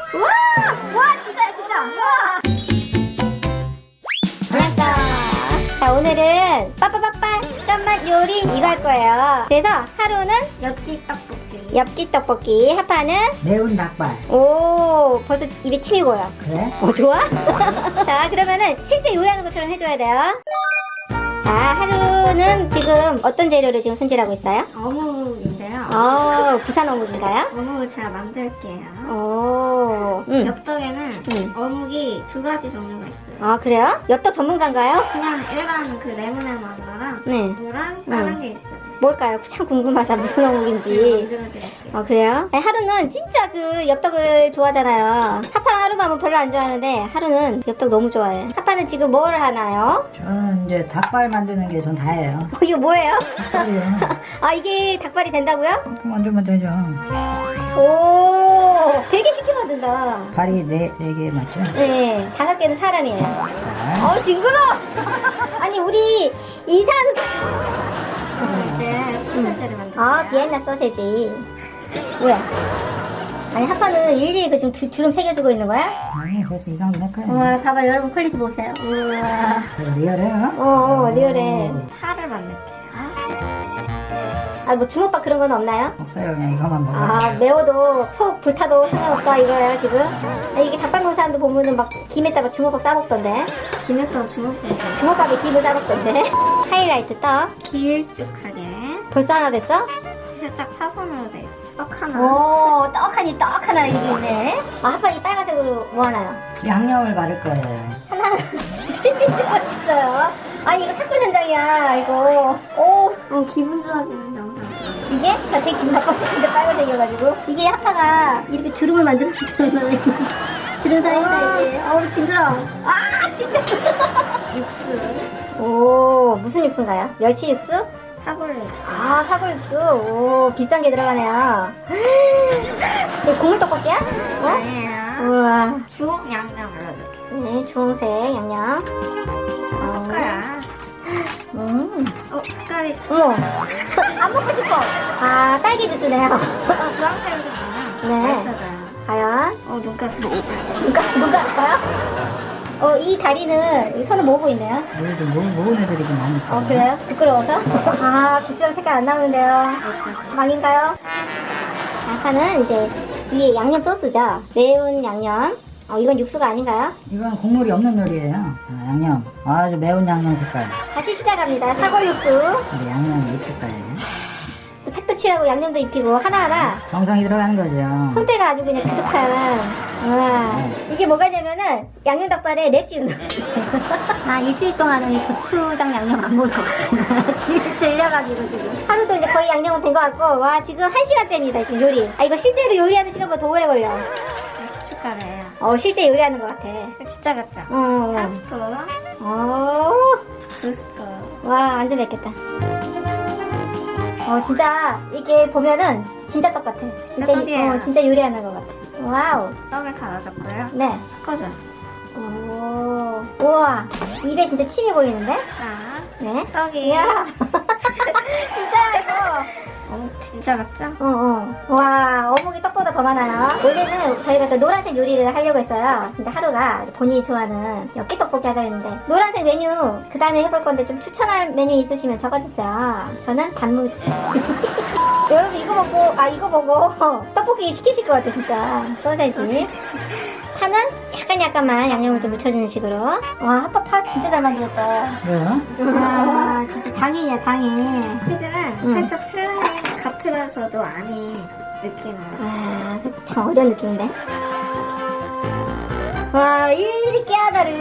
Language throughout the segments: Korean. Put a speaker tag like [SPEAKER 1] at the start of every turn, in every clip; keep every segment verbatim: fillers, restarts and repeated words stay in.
[SPEAKER 1] 우와! 와, 진짜야, 진짜! 우와! 알았어. 자, 오늘은 빠빠빠빠 짠맛 요리 이거 할 거예요. 그래서 하루는
[SPEAKER 2] 엽기 떡볶이.
[SPEAKER 1] 엽기 떡볶이, 하파는
[SPEAKER 3] 매운 닭발.
[SPEAKER 1] 오, 벌써 입에 침이 고요.
[SPEAKER 3] 그래?
[SPEAKER 1] 어, 좋아? 자, 그러면은 실제 요리하는 것처럼 해줘야 돼요. 자, 하루는 지금 어떤 재료를 지금 손질하고 있어요?
[SPEAKER 2] 어묵인데요.
[SPEAKER 1] 어, 부산 어묵인가요?
[SPEAKER 2] 어묵을 제가 만들게요.
[SPEAKER 1] 오, 음.
[SPEAKER 2] 엽떡에는
[SPEAKER 1] 음.
[SPEAKER 2] 어묵이 두 가지 종류가 있어요.
[SPEAKER 1] 아, 그래요? 엽떡 전문가인가요?
[SPEAKER 2] 그냥 일반 그 네모네모한 거랑
[SPEAKER 1] 네.
[SPEAKER 2] 이거랑 다른
[SPEAKER 1] 음.
[SPEAKER 2] 게 있어요.
[SPEAKER 1] 뭘까요? 참 궁금하다. 무슨 어묵인지.
[SPEAKER 2] 만들어드릴게요.
[SPEAKER 1] 어, 그래요? 아니, 하루는 진짜 그 엽떡을 좋아하잖아요. 하파랑 하루만은 별로 안 좋아하는데 하루는 엽떡 너무 좋아해. 하파는 지금 뭘 하나요?
[SPEAKER 3] 저는 이제 닭발 만드는 게 전 다예요.
[SPEAKER 1] 어, 이거 뭐예요?
[SPEAKER 3] 닭발이요.
[SPEAKER 1] 아, 이게 닭발이 된다고요?
[SPEAKER 3] 만들면 되죠.
[SPEAKER 1] 오, 되게 쉽게 만든다.
[SPEAKER 3] 발이 네, 네 개 맞죠?
[SPEAKER 1] 네, 다섯 개는 사람이에요.
[SPEAKER 3] 네.
[SPEAKER 1] 어, 징그러! 아니, 우리 인사하는 소...
[SPEAKER 2] 그럼 이제 소세지를 만들게요.
[SPEAKER 1] 아, 비엔나 소세지. 뭐야? 아니, 하파는 일일이 그 지금 두- 주름 새겨주고 있는 거야?
[SPEAKER 3] 아니, 그래서 이 정도 할까요?
[SPEAKER 1] 우와, 봐봐, 여러분 퀄리티 보세요. 우와.
[SPEAKER 3] 리얼해요?
[SPEAKER 1] 어, 어, 리얼해.
[SPEAKER 2] 파를 만들게요.
[SPEAKER 1] 아, 뭐 주먹밥 그런 건 없나요?
[SPEAKER 3] 없어요. 그냥 이거만 먹어요.
[SPEAKER 1] 아, 매워도 속 불타도 상관없다 이거예요, 지금? 아, 이게 닭발 먹는 사람도 보면은 막 김에다가 주먹밥 싸먹던데.
[SPEAKER 2] 김엽떡 주먹밥.
[SPEAKER 1] 주먹밥에 김을 싸먹던데. 하이라이트 떡.
[SPEAKER 2] 길쭉하게
[SPEAKER 1] 벌써 하나 됐어?
[SPEAKER 2] 살짝 사선으로 돼 있어. 떡 하나.
[SPEAKER 1] 오, 떡하니 떡 하나 이게 있네. 아, 하파 이 빨간색으로 뭐 하나요?
[SPEAKER 3] 양념을 바를 거예요.
[SPEAKER 1] 하나는 찔리지가 있어요. 아니, 이거 사건 현장이야, 이거. 오,
[SPEAKER 2] 어, 기분 좋아지는 영상.
[SPEAKER 1] 이게? 나 되게 기분 나빴었는데 빨간색이어가지고. 이게 하파가 이렇게 주름을 만들어줬잖아요. 주름 사이다, 이게. 어우, 징그러. 아, 징그러.
[SPEAKER 2] 육수.
[SPEAKER 1] 오, 무슨 육수인가요? 멸치 육수?
[SPEAKER 2] 사골 육수.
[SPEAKER 1] 아, 사골 육수. 오, 비싼 게 들어가네요. 이거 국물 떡볶이야? 어?
[SPEAKER 2] 아니에요.
[SPEAKER 1] 우와.
[SPEAKER 2] 주홍 양념 올려줄게요.
[SPEAKER 1] 네, 주홍색 양념. 어,
[SPEAKER 2] 숟가락.
[SPEAKER 1] 음.
[SPEAKER 2] 어, 색깔이
[SPEAKER 1] 어머. 안 먹고 싶어. 아, 딸기 주스네요.
[SPEAKER 2] 어, 주황색으로 주면
[SPEAKER 1] 네.
[SPEAKER 2] 맛있어져요.
[SPEAKER 1] 과연?
[SPEAKER 2] 어, 눈깔.
[SPEAKER 1] 누가, 누가 할까요? 어, 이 다리는 손을 모으고 있네요.
[SPEAKER 3] 여기도 모, 모은 애들이 좀 많이 있어요.
[SPEAKER 1] 어, 그래요? 부끄러워서? 아, 고추장 색깔 안 나오는데요. 망인가요? 아까는 이제 위에 양념 소스죠. 매운 양념. 어, 이건 육수가 아닌가요?
[SPEAKER 3] 이건 국물이 없는 요리예요. 아, 양념. 아주 매운 양념 색깔.
[SPEAKER 1] 다시 시작합니다. 사골 육수.
[SPEAKER 3] 근데 양념이 입힐 거예요.
[SPEAKER 1] 또 색도 칠하고 양념도 입히고 하나하나
[SPEAKER 3] 정성이 들어가는 거죠.
[SPEAKER 1] 손대가 아주 그냥 그득한. 와, 이게 뭐가냐면은 양념 닭발에 랩 씌운다. 아, 일주일 동안은 이 고추장 양념 안 먹었거든요. 질, 질려가지고 지금. 하루도 이제 거의 양념은 된 것 같고, 와, 지금 한 시간째입니다, 지금 요리. 아, 이거 실제로 요리하는 시간보다 더 오래 걸려.
[SPEAKER 2] 숟가락이에요.
[SPEAKER 1] 어, 실제 요리하는 것 같아.
[SPEAKER 2] 진짜 맵다.
[SPEAKER 1] 어.
[SPEAKER 2] 한 스푼,
[SPEAKER 1] 어,
[SPEAKER 2] 두 스푼.
[SPEAKER 1] 와, 완전 맵겠다. 어, 진짜, 이게 보면은, 진짜 떡 같아. 진짜,
[SPEAKER 2] 떡이에요.
[SPEAKER 1] 어, 진짜 요리하는 것 같아. 와우.
[SPEAKER 2] 떡을 갈아줬고요.
[SPEAKER 1] 네.
[SPEAKER 2] 섞어줘.
[SPEAKER 1] 오, 우와, 입에 진짜 침이 보이는데?
[SPEAKER 2] 자,
[SPEAKER 1] 네.
[SPEAKER 2] 떡이.
[SPEAKER 1] 이야. 진짜야, 이거.
[SPEAKER 2] 어, 진짜 맵죠?
[SPEAKER 1] 어, 어. 와, 어묵이 떡보다 더 많아요. 원래는 저희가 그 노란색 요리를 하려고 했어요. 근데 하루가 본인이 좋아하는 엽기 떡볶이 하자 했는데, 노란색 메뉴, 그 다음에 해볼 건데 좀 추천할 메뉴 있으시면 적어주세요. 저는 단무지. 여러분, 이거 보고, 아, 이거 보고, 떡볶이 시키실 것 같아, 진짜. 소세지. 파는 약간 약간만 양념을 좀 묻혀주는 식으로. 와, 하파 파 진짜 잘 만들었다.
[SPEAKER 3] 왜요?
[SPEAKER 1] 와, 진짜 장인이야, 장인.
[SPEAKER 2] 치즈는
[SPEAKER 1] 응.
[SPEAKER 2] 살짝 슬라임 같으면서도 안이 느끼나요.
[SPEAKER 1] 아, 그 참 어려운 느낌인데. 와, 일일이 깨하다를.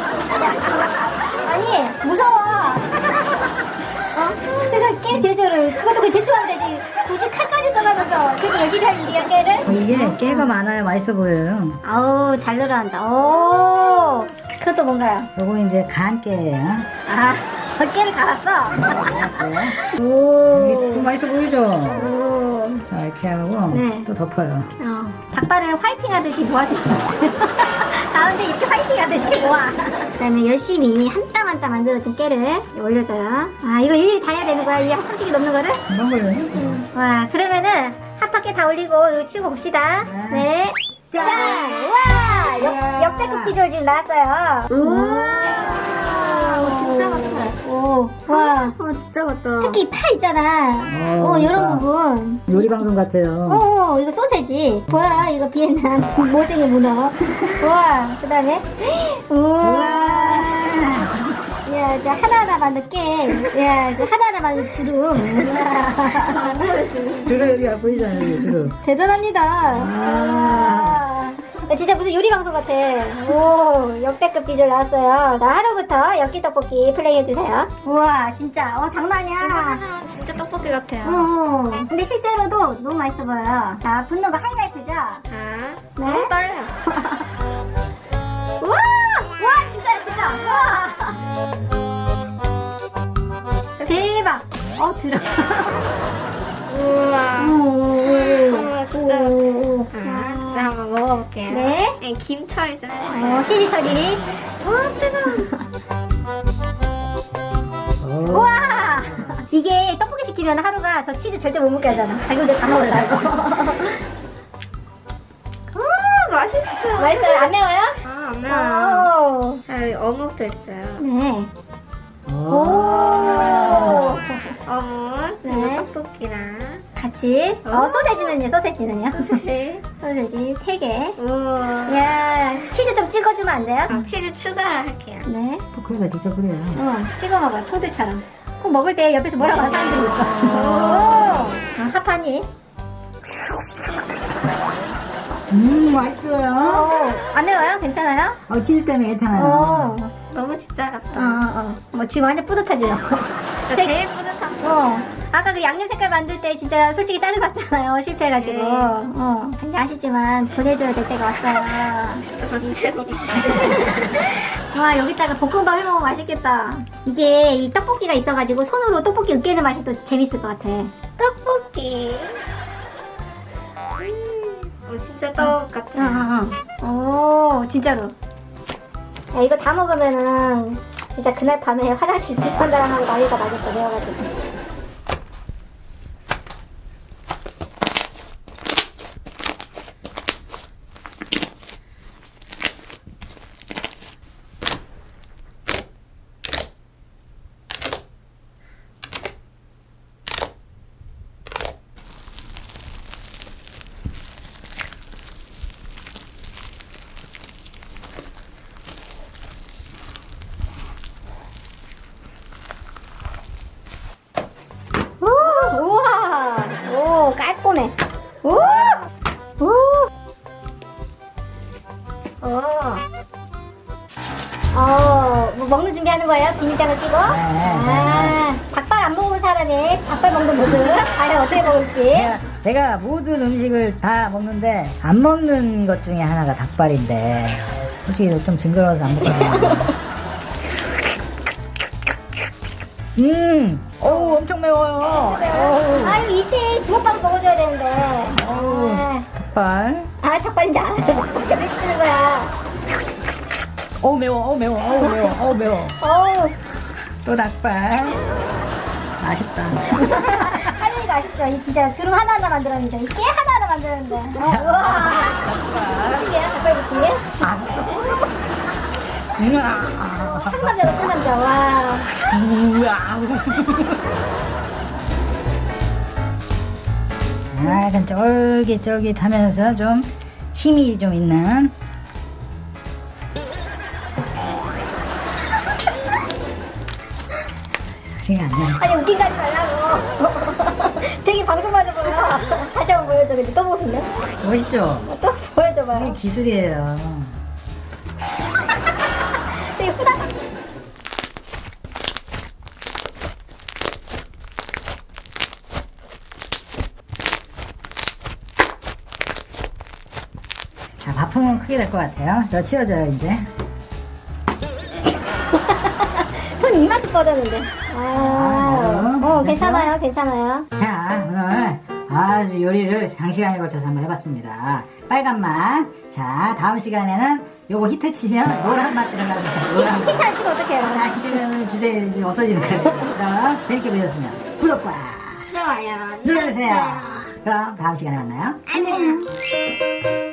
[SPEAKER 1] 아니, 무서워. 어? 그래서 깨 제조를, 그것도 그냥 대충 하면 되지. 굳이 칼까지 써가면서 되게 열심히 할 일이야, 깨를?
[SPEAKER 3] 이게 깨가 많아야 맛있어 보여요.
[SPEAKER 1] 아우, 잘 늘어난다. 오, 그것도 뭔가요?
[SPEAKER 3] 요거 이제 간 깨예요.
[SPEAKER 1] 아, 깨를 갈았어?
[SPEAKER 3] 알았어요? 이게
[SPEAKER 1] 오.
[SPEAKER 3] 또 맛있어 보이죠?
[SPEAKER 1] 오.
[SPEAKER 3] 자, 이렇게 하고
[SPEAKER 1] 네.
[SPEAKER 3] 또 덮어요.
[SPEAKER 1] 어, 닭발을 화이팅 하듯이 모아줘. 가운데 이렇게 화이팅 하듯이 모아. 그 다음에 열심히 한 땀 한 땀 만들어진 깨를 올려줘요. 아, 이거 일일이 다 해야 되는 거야? 이 삼식이 넘는 거를?
[SPEAKER 3] 금방 걸려요.
[SPEAKER 1] 와, 그러면은 핫팟게 다 올리고 이거 치우고 봅시다.
[SPEAKER 3] 네.
[SPEAKER 1] 네. 짠! 비주얼 지금 나왔어요.
[SPEAKER 2] 우와, 진짜 같아.
[SPEAKER 1] 오, 와.
[SPEAKER 2] 어, 진짜 같다.
[SPEAKER 1] 특히 파 있잖아.
[SPEAKER 3] 어,
[SPEAKER 1] 어, 이런
[SPEAKER 3] 그러니까.
[SPEAKER 1] 부분.
[SPEAKER 3] 요리 방송 같아요.
[SPEAKER 1] 어, 이거 소세지. 뭐야, 이거 비엔남 모생이 문어. 우와, 그 다음에. 우와. 야, 이제 하나하나 만든 깨. 야, 이제 하나하나 만든 주름. 우와.
[SPEAKER 3] 주름 여기가 보이잖아요, 여기 주름.
[SPEAKER 1] 대단합니다.
[SPEAKER 3] 아.
[SPEAKER 1] 야, 진짜 무슨 요리 방송 같아. 오, 역대급 비주얼 나왔어요. 자, 하루부터 엽기 떡볶이 플레이해주세요. 우와, 진짜. 어, 장난 아니야.
[SPEAKER 2] 화면으로는 진짜 떡볶이 같아요.
[SPEAKER 1] 어, 근데 실제로도 너무 맛있어 보여요. 자, 붓는 거 하이라이트죠?
[SPEAKER 2] 자,
[SPEAKER 1] 네.
[SPEAKER 2] 너무 떨려요.
[SPEAKER 1] 우와! 와, 진짜, 진짜. 우와! 대박! 어, 들어.
[SPEAKER 2] 우와.
[SPEAKER 1] 우와,
[SPEAKER 2] 진짜.
[SPEAKER 1] 오.
[SPEAKER 2] 자, 자, 한번 먹어볼게요.
[SPEAKER 1] 네.
[SPEAKER 2] 네, 김처리 좀 해주세요.
[SPEAKER 1] 어, 시지 처리.
[SPEAKER 2] 와, 뜨거워.
[SPEAKER 3] 오.
[SPEAKER 1] 우와! 이게 떡볶이 시키면 하루가 저 치즈 절대 못 먹게 하잖아. 자기들 다 먹으려고.
[SPEAKER 2] 아, 맛있어.
[SPEAKER 1] 맛있어요? 안 매워요?
[SPEAKER 2] 아, 안 매워요.
[SPEAKER 1] 오.
[SPEAKER 2] 자, 여기 어묵도 있어요.
[SPEAKER 1] 네.
[SPEAKER 3] 오.
[SPEAKER 1] 오.
[SPEAKER 2] 어묵,
[SPEAKER 1] 네.
[SPEAKER 2] 그리고 떡볶이랑.
[SPEAKER 1] 같이. 어, 소세지는요, 소세지는요?
[SPEAKER 2] 네.
[SPEAKER 1] 소세지 세 개.
[SPEAKER 2] 우와.
[SPEAKER 1] 야, 치즈 좀 찍어주면 안 돼요?
[SPEAKER 2] 아, 치즈 추가를 할게요.
[SPEAKER 1] 네.
[SPEAKER 3] 포크에다 직접 그래요.
[SPEAKER 1] 어, 찍어 먹어요. 푸드처럼. 꼭 먹을 때 옆에서 뭐라고 하는 사람들이 있어. 오. 아, 하파니.
[SPEAKER 3] 음, 맛있어요.
[SPEAKER 1] 어, 안 매워요? 괜찮아요?
[SPEAKER 3] 어, 치즈 때문에 괜찮아요.
[SPEAKER 1] 어.
[SPEAKER 2] 너무 진짜
[SPEAKER 1] 어,
[SPEAKER 2] 같다.
[SPEAKER 1] 어, 어. 뭐 지금 완전 뿌듯하죠?
[SPEAKER 2] 저 제일 뿌듯한 거.
[SPEAKER 1] 어. 아까 그 양념 색깔 만들 때 진짜 솔직히 짜증났잖아요. 실패해가지고.
[SPEAKER 2] 네.
[SPEAKER 1] 어. 이제 아쉽지만 보내줘야 될 때가 왔어요.
[SPEAKER 2] 언제
[SPEAKER 1] 와, 여기다가 볶음밥 해먹으면 맛있겠다. 이게 이 떡볶이가 있어가지고 손으로 떡볶이 으깨는 맛이 또 재밌을 것 같아.
[SPEAKER 2] 떡볶이. 음, 어, 진짜 떡 같아.
[SPEAKER 1] 응, 응, 오, 진짜로. 야, 이거 다 먹으면은 진짜 그날 밤에 화장실 들판다랑 하고 난리가 나겠다, 매워가지고. 오, 우와, 오, 깔끔해. 오, 오, 오. 어, 뭐 먹는 준비하는 거예요? 비닐장을 끼고? 아, 닭발 안 먹은 사람이 닭발 먹는 모습. 과연 어떻게 먹을지.
[SPEAKER 3] 제가, 제가 모든 음식을 다 먹는데 안 먹는 것 중에 하나가 닭발인데 솔직히 좀 징그러워서 안 먹거든요. 음, 어우 엄청 매워요. 어우,
[SPEAKER 1] 아, 이거 이때 주먹밥 먹어줘야 되는데.
[SPEAKER 3] 어우,
[SPEAKER 1] 아,
[SPEAKER 3] 닭발.
[SPEAKER 1] 아 닭발인지 알아. 진짜 미치는 거야.
[SPEAKER 3] 어우 매워, 어우 매워, 어우 매워, 어우 매워.
[SPEAKER 1] 어우.
[SPEAKER 3] 또 닭발. 아쉽다.
[SPEAKER 1] 할머니가 아쉽죠? 이 진짜 주름 하나하나 만들었는데, 깨 하나하나 만들었는데. 어, 우와. 부침개야? 닭발 부침개?
[SPEAKER 3] 우와.
[SPEAKER 1] 상남자로 상남자, 와.
[SPEAKER 3] 우와. 아, 약간 쫄깃쫄깃하면서 좀 힘이 좀 있는. 소리가 안 나.
[SPEAKER 1] 아니, 웃긴 거 하지 말라고. 되게 방송맞아 보여. 다시 한번 보여줘. 근데 또 보고 싶네.
[SPEAKER 3] 멋있죠?
[SPEAKER 1] 또 보여줘봐요.
[SPEAKER 3] 이게 기술이에요.
[SPEAKER 1] 되게 후다닥.
[SPEAKER 3] 자, 바풍은 크게 될 것 같아요. 저 치워줘요, 이제.
[SPEAKER 1] 손 이만큼 뻗었는데. 아,
[SPEAKER 3] 아,
[SPEAKER 1] 어,
[SPEAKER 3] 그래요?
[SPEAKER 1] 괜찮아요, 괜찮아요.
[SPEAKER 3] 자, 오늘 아주 요리를 장시간에 걸쳐서 한번 해봤습니다. 빨간 맛. 자, 다음 시간에는 요거 히트 치면 노란 맛 들어갑니다. 노란 맛.
[SPEAKER 1] 히트 안 치고 어떡해요?
[SPEAKER 3] 아, 치면 주제 이제 없어지는 거예요. 그럼 재밌게 보셨으면 구독과
[SPEAKER 2] 좋아요.
[SPEAKER 3] 눌러주세요. 그럼 다음 시간에 만나요.
[SPEAKER 2] 안녕.